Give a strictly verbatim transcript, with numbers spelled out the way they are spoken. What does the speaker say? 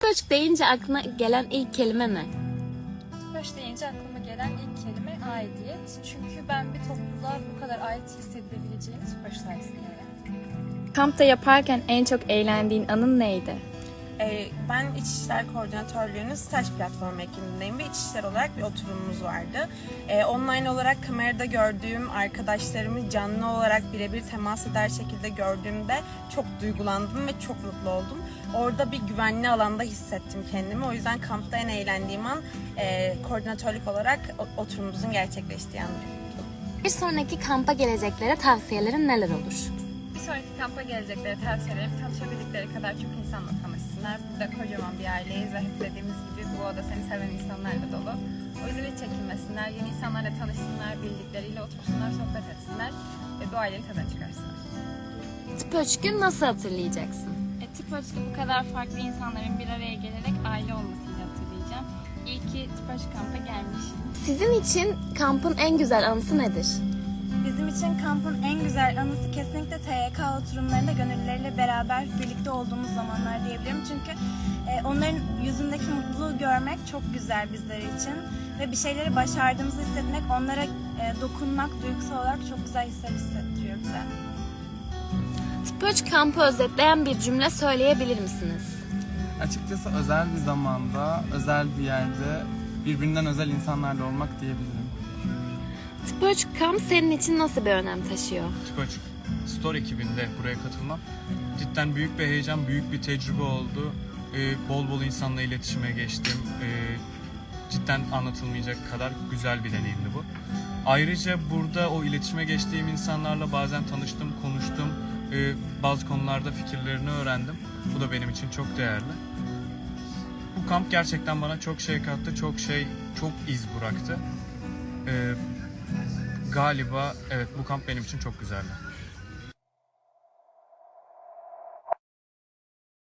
Tıpöç deyince aklına gelen ilk kelime ne? Tıpöç deyince aklıma gelen ilk kelime aidiyet. Çünkü ben bir topluluğa bu kadar ait hissedilebileceğini Tıpöç sayesinde öğrendim. Kampta yaparken en çok eğlendiğin anın neydi? Ee, ben İçişler Koordinatörlüğü'nün staj platformu ekibindeyim ve İçişler olarak bir oturumumuz vardı. Ee, online olarak kamerada gördüğüm arkadaşlarımı canlı olarak birebir temas eder şekilde gördüğümde çok duygulandım ve çok mutlu oldum. Orada bir güvenli alanda hissettim kendimi. O yüzden kampta en eğlendiğim an e, koordinatörlük olarak oturumumuzun gerçekleştiği an. Bir sonraki kampa geleceklere tavsiyelerin neler olur? Bir sonraki kampa gelecekleri tavsiyelerim tanışabildikleri kadar çok insanla tanışsınlar. Burada kocaman bir aileyiz ve hep dediğimiz gibi bu oda seni seven insanlarla dolu. O yüzden hiç çekinmesinler, yeni insanlarla tanışsınlar, bildikleriyle otursunlar, sohbet etsinler ve bu ailenin tadını çıkarsınlar. Tıpöç'ü nasıl hatırlayacaksın? E, Tıpöç'te bu kadar farklı insanların bir araya gelerek aile olmasını hatırlayacağım. İyi ki Tıpöç kampa gelmişim. Sizin için kampın en güzel anısı nedir? Bizim için kampın en güzel anısı kesinlikle T Y K oturumlarında gönüllüleriyle beraber birlikte olduğumuz zamanlar diyebilirim. Çünkü e, onların yüzündeki mutluluğu görmek çok güzel bizler için. Ve bir şeyleri başardığımızı hissetmek, onlara e, dokunmak duygusal olarak çok güzel hisler hissettiriyor bize. Tıpöç kampı özetleyen bir cümle söyleyebilir misiniz? Açıkçası özel bir zamanda, özel bir yerde birbirinden özel insanlarla olmak diyebilirim. Tıpöç kamp senin için nasıl bir önem taşıyor? Tıpöç Store ekibinde buraya katılmam cidden büyük bir heyecan, büyük bir tecrübe oldu. Ee, bol bol insanla iletişime geçtim. Ee, cidden anlatılmayacak kadar güzel bir deneyimdi bu. Ayrıca burada o iletişime geçtiğim insanlarla bazen tanıştım, konuştum. Ee, bazı konularda fikirlerini öğrendim. Bu da benim için çok değerli. Bu kamp gerçekten bana çok şey kattı, çok şey, çok iz bıraktı. Ee, Galiba evet bu kamp benim için çok güzeldi.